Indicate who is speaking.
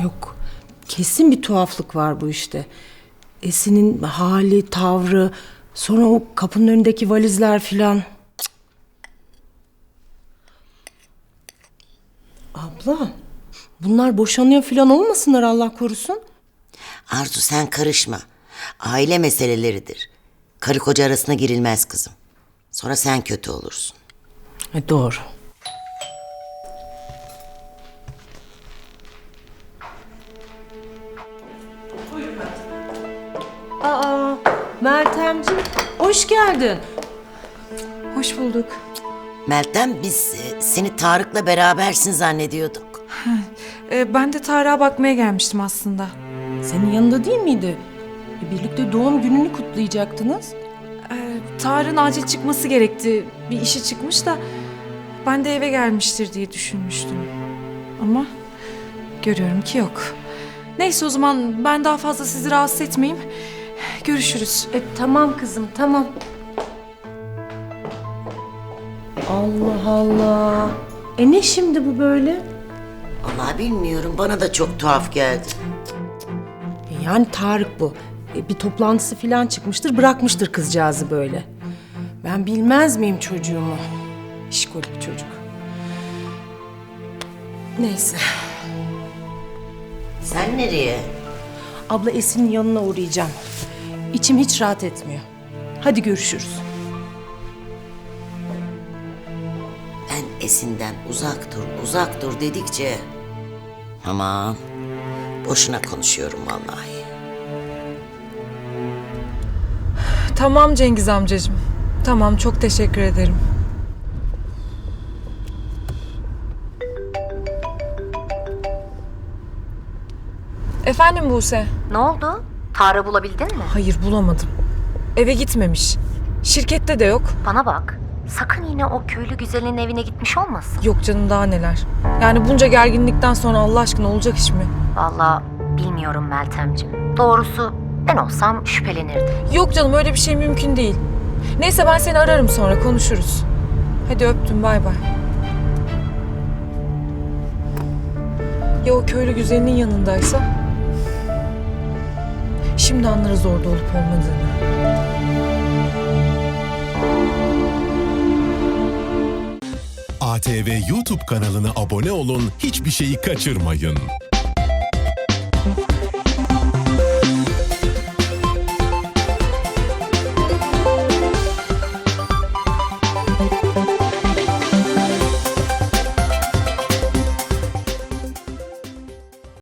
Speaker 1: Yok, kesin bir tuhaflık var bu işte. Esin'in hali, tavrı, sonra o kapının önündeki valizler filan. Abla, bunlar boşanıyor filan olmasınlar Allah korusun.
Speaker 2: Arzu sen karışma. Aile meseleleridir. Karı koca arasına girilmez kızım. Sonra sen kötü olursun.
Speaker 1: Doğru. Aa, Meltemciğim, hoş geldin.
Speaker 3: Hoş bulduk.
Speaker 2: Meltem biz seni Tarık'la berabersin zannediyorduk.
Speaker 3: Ben de Tarık'a bakmaya gelmiştim aslında.
Speaker 1: Senin yanında değil miydi? Birlikte doğum gününü kutlayacaktınız.
Speaker 3: Tarık'ın acil çıkması gerekti. Bir işi çıkmış da ben de eve gelmiştir diye düşünmüştüm. Ama görüyorum ki yok. Neyse o zaman ben daha fazla sizi rahatsız etmeyeyim. Görüşürüz.
Speaker 1: Tamam kızım, tamam. Allah Allah. Ne şimdi bu böyle?
Speaker 2: Vallahi bilmiyorum, bana da çok tuhaf geldi.
Speaker 1: Yani Tarık bu. Bir toplantısı falan çıkmıştır, bırakmıştır kızcağızı böyle. Ben bilmez miyim çocuğumu? İşkolik çocuk. Neyse.
Speaker 2: Sen nereye?
Speaker 1: Abla Esin'in yanına uğrayacağım. İçim hiç rahat etmiyor. Hadi görüşürüz.
Speaker 2: Ben Esin'den uzak dur dedikçe... Aman, boşuna konuşuyorum vallahi.
Speaker 3: Tamam Cengiz amcacığım. Tamam, çok teşekkür ederim. Efendim Buse?
Speaker 4: Ne oldu? Tarık'ı bulabildin mi?
Speaker 3: Hayır, bulamadım. Eve gitmemiş. Şirkette de yok.
Speaker 4: Bana bak. Sakın yine o köylü güzelin evine gitmiş olmasın.
Speaker 3: Yok canım, daha neler. Yani bunca gerginlikten sonra Allah aşkına olacak iş mi?
Speaker 4: Vallahi bilmiyorum Meltemciğim. Doğrusu ben olsam şüphelenirdim.
Speaker 3: Yok canım, öyle bir şey mümkün değil. Neyse ben seni ararım, sonra konuşuruz. Hadi öptüm, bay bay. Ya o köylü güzelinin yanındaysa? Şimdi anlarız orada olup olmadığını.
Speaker 5: ATV YouTube kanalına abone olun, hiçbir şeyi kaçırmayın.